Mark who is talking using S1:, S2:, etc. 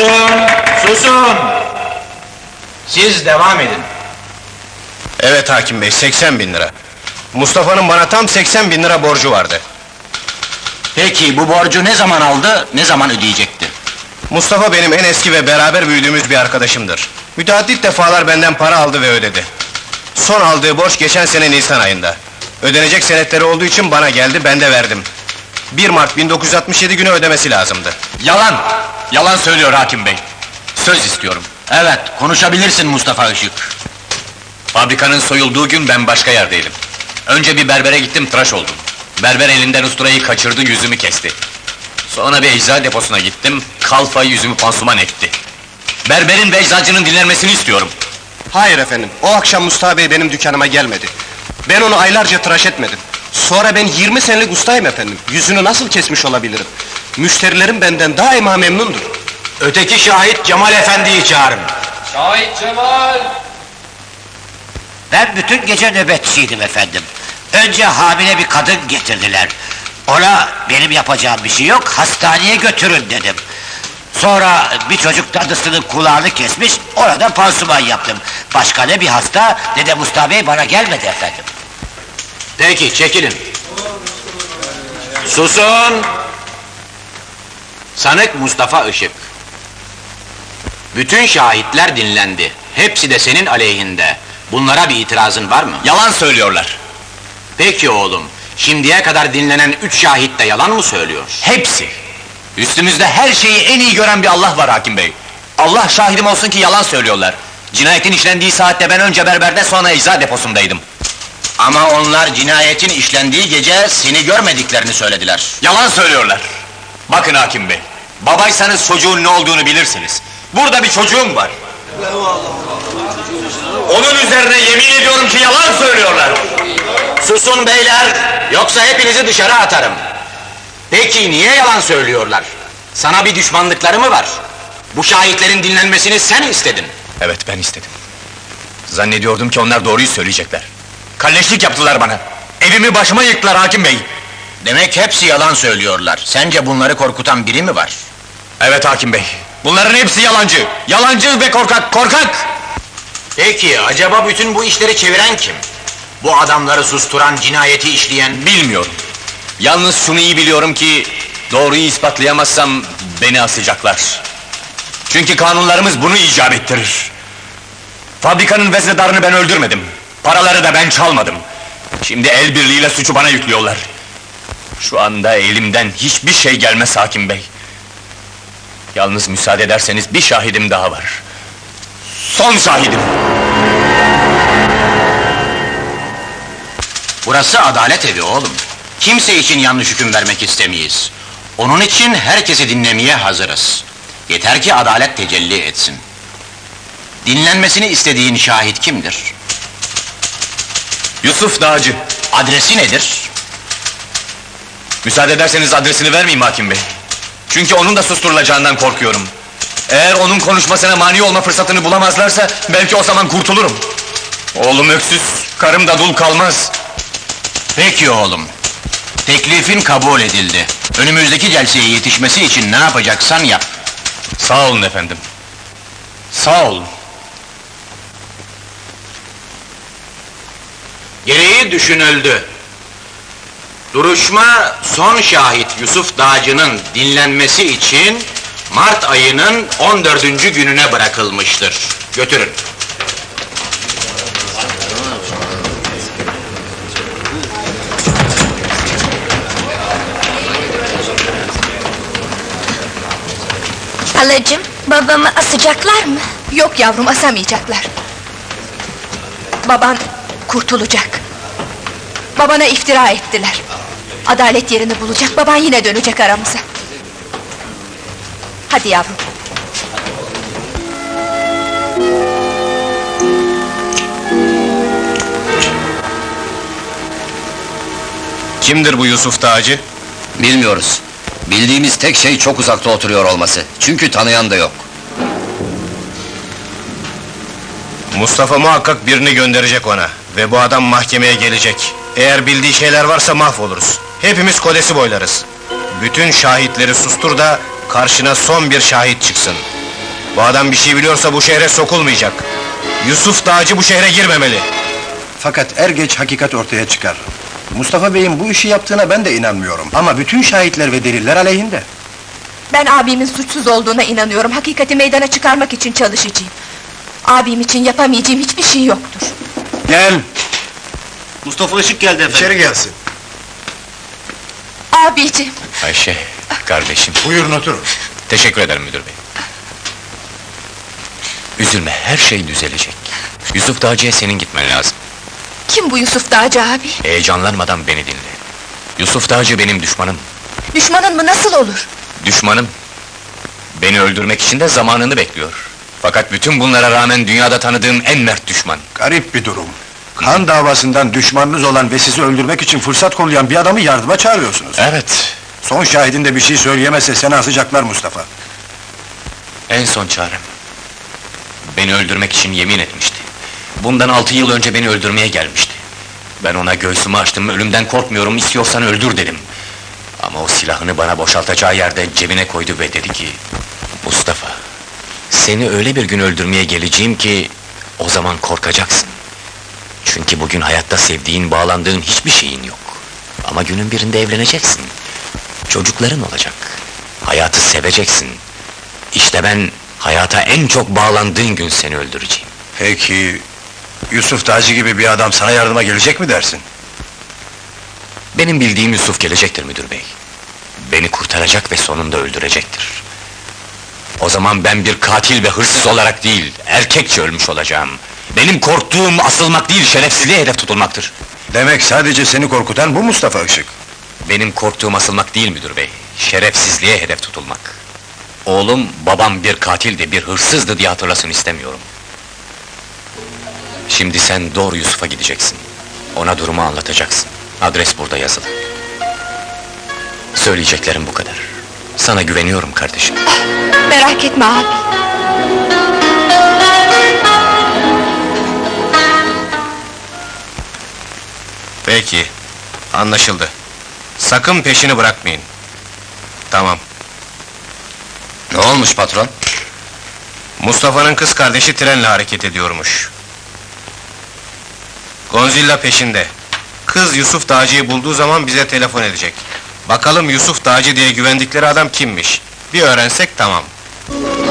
S1: Susun! Susun! Siz devam edin.
S2: Evet hakim bey, 80 bin lira. Mustafa'nın bana tam 80 bin lira borcu vardı.
S1: Peki bu borcu ne zaman aldı, ne zaman ödeyecekti?
S2: Mustafa benim en eski ve beraber büyüdüğümüz bir arkadaşımdır. Müteaddit defalar benden para aldı ve ödedi. Son aldığı borç geçen sene Nisan ayında. Ödenecek senetleri olduğu için bana geldi, ben de verdim. 1 Mart 1967 günü ödemesi lazımdı.
S3: Yalan! Yalan söylüyor hakim bey. Söz istiyorum.
S1: Evet, konuşabilirsin Mustafa Işık.
S3: Fabrikanın soyulduğu gün ben başka yerdeydim. Önce bir berbere gittim, tıraş oldum. Berber elinden usturayı kaçırdı, yüzümü kesti. Sonra bir eczacı deposuna gittim, kalfayı yüzümü pansuman etti. Berberin ve eczacının dinlenmesini istiyorum.
S2: Hayır efendim, o akşam Mustafa bey benim dükkanıma gelmedi. Ben onu aylarca tıraş etmedim. Sonra ben 20 senelik ustayım efendim, yüzünü nasıl kesmiş olabilirim? Müşterilerim benden daima memnundur.
S1: Öteki şahit Cemal Efendi'yi çağırın.
S4: Şahit Cemal!
S5: Ben bütün gece nöbetçiydim efendim. Önce hamile bir kadın getirdiler. Ona benim yapacağım bir şey yok, hastaneye götürün dedim. Sonra bir çocuk dadısının kulağını kesmiş, orada pansuman yaptım. Başka ne bir hasta, ne de Mustafa Bey bana gelmedi efendim.
S1: Peki, çekilin. Susun! Sanık Mustafa Işık. Bütün şahitler dinlendi. Hepsi de senin aleyhinde. Bunlara bir itirazın var mı?
S3: Yalan söylüyorlar.
S1: Peki oğlum, şimdiye kadar dinlenen 3 şahit de yalan mı söylüyor?
S3: Hepsi! Üstümüzde her şeyi en iyi gören bir Allah var hakim bey. Allah şahidim olsun ki yalan söylüyorlar. Cinayetin işlendiği saatte ben önce berberde, sonra ecza deposundaydım.
S1: Ama onlar cinayetin işlendiği gece seni görmediklerini söylediler.
S3: Yalan söylüyorlar. Bakın hakim bey, babaysanız çocuğun ne olduğunu bilirsiniz. Burada bir çocuğum var. Onun üzerine yemin ediyorum ki yalan söylüyorlar.
S1: Susun beyler, yoksa hepinizi dışarı atarım. Peki niye yalan söylüyorlar? Sana bir düşmanlıkları mı var? Bu şahitlerin dinlenmesini sen istedin.
S3: Evet, ben istedim. Zannediyordum ki onlar doğruyu söyleyecekler. Kalleşlik yaptılar bana. Evimi başıma yıktılar hakim bey.
S1: Demek hepsi yalan söylüyorlar. Sence bunları korkutan biri mi var?
S3: Evet hakim bey. Bunların hepsi yalancı. Yalancı ve korkak, korkak!
S1: Peki, acaba bütün bu işleri çeviren kim? Bu adamları susturan, cinayeti işleyen...
S3: Bilmiyorum. Yalnız şunu iyi biliyorum ki... doğruyu ispatlayamazsam beni asacaklar. Çünkü kanunlarımız bunu icap ettirir. Fabrikanın veznedarını ben öldürmedim. Paraları da ben çalmadım. Şimdi el birliğiyle suçu bana yüklüyorlar. Şu anda elimden hiçbir şey gelmez hakim bey. Yalnız müsaade ederseniz bir şahidim daha var. Son şahidim!
S1: Burası adalet evi oğlum. Kimse için yanlış hüküm vermek istemeyiz. Onun için herkesi dinlemeye hazırız. Yeter ki adalet tecelli etsin. Dinlenmesini istediğin şahit kimdir?
S3: Yusuf Dağcı.
S1: Adresi nedir?
S3: Müsaade ederseniz adresini vermeyeyim hakim bey. Çünkü onun da susturulacağından korkuyorum. Eğer onun konuşmasına mani olma fırsatını bulamazlarsa... belki o zaman kurtulurum. Oğlum öksüz, karım da dul kalmaz.
S1: Peki oğlum. Teklifin kabul edildi. Önümüzdeki celseye yetişmesi için ne yapacaksan yap.
S3: Sağ olun efendim. Sağ olun.
S1: Gereği düşünüldü. Duruşma, son şahit Yusuf Dağcı'nın dinlenmesi için... Mart ayının 14. gününe bırakılmıştır. Götürün.
S6: Halacığım, babamı asacaklar mı?
S7: Yok yavrum, asamayacaklar. Baban kurtulacak. Babana iftira ettiler. Adalet yerini bulacak, baban yine dönecek aramıza. Hadi yavrum.
S2: Kimdir bu Yusuf Dağcı?
S5: Bilmiyoruz. Bildiğimiz tek şey çok uzakta oturuyor olması. Çünkü tanıyan da yok.
S2: Mustafa muhakkak birini gönderecek ona. Ve bu adam mahkemeye gelecek. Eğer bildiği şeyler varsa mahvoluruz. Hepimiz kodesi boylarız. Bütün şahitleri sustur da... karşına son bir şahit çıksın. Bu adam bir şey biliyorsa bu şehre sokulmayacak. Yusuf Dağcı bu şehre girmemeli.
S8: Fakat er geç hakikat ortaya çıkar. Mustafa Bey'in bu işi yaptığına ben de inanmıyorum. Ama bütün şahitler ve deliller aleyhinde.
S7: Ben abimin suçsuz olduğuna inanıyorum. Hakikati meydana çıkarmak için çalışacağım. Abim için yapamayacağım hiçbir şey yoktur.
S8: Gel,
S5: Mustafa Işık geldi efendim.
S8: içeri gelsin.
S7: Abicim,
S3: Ayşe, kardeşim.
S8: Buyurun oturun.
S3: Teşekkür ederim müdür bey. Üzülme, her şey düzelecek. Yusuf Dağcı'ya senin gitmen lazım.
S7: kim bu Yusuf Dağcı abi?
S3: Heyecanlanmadan beni dinle. Yusuf Dağcı benim düşmanım.
S7: Düşmanın mı, nasıl olur?
S3: Düşmanım. Beni öldürmek için de zamanını bekliyor. Fakat bütün bunlara rağmen dünyada tanıdığım en mert düşman.
S8: Garip bir durum. Kan davasından düşmanınız olan ve sizi öldürmek için fırsat kollayan bir adamı yardıma çağırıyorsunuz.
S3: Evet,
S8: Son şahidin de bir şey söyleyemezse seni asacaklar Mustafa.
S3: en son çarem. Beni öldürmek için yemin etmişti. Bundan 6 yıl önce beni öldürmeye gelmişti. Ben ona göğsümü açtım, ölümden korkmuyorum, istiyorsan öldür dedim. Ama o silahını bana boşaltacağı yerde cebine koydu ve dedi ki... Mustafa, seni öyle bir gün öldürmeye geleceğim ki... O zaman korkacaksın. Çünkü bugün hayatta sevdiğin, bağlandığın hiçbir şeyin yok. Ama günün birinde evleneceksin. Çocukların olacak. Hayatı seveceksin. İşte ben, hayata en çok bağlandığın gün seni öldüreceğim.
S8: Peki, Yusuf Dağcı gibi bir adam sana yardıma gelecek mi dersin?
S3: Benim bildiğim Yusuf gelecektir müdür bey. Beni kurtaracak ve sonunda öldürecektir. O zaman ben bir katil ve hırsız olarak değil, erkekçe ölmüş olacağım. Benim korktuğum asılmak değil, şerefsizliğe hedef tutulmaktır.
S8: Demek sadece seni korkutan bu Mustafa Işık.
S3: Benim korktuğum asılmak değil müdür bey, şerefsizliğe hedef tutulmak. Oğlum, babam bir katildi, bir hırsızdı diye hatırlasın istemiyorum. Şimdi sen doğru Yusuf'a gideceksin. Ona durumu anlatacaksın. Adres burada yazılı. Söyleyeceklerim bu kadar. Sana güveniyorum kardeşim.
S7: Merak etme abi.
S2: Peki, anlaşıldı. Sakın peşini bırakmayın. Tamam.
S1: Ne olmuş patron?
S2: Mustafa'nın kız kardeşi trenle hareket ediyormuş. Gonzilla peşinde. Kız Yusuf Dağcı'yı bulduğu zaman bize telefon edecek. Bakalım Yusuf Dağcı diye güvendikleri adam kimmiş? Bir öğrensek tamam.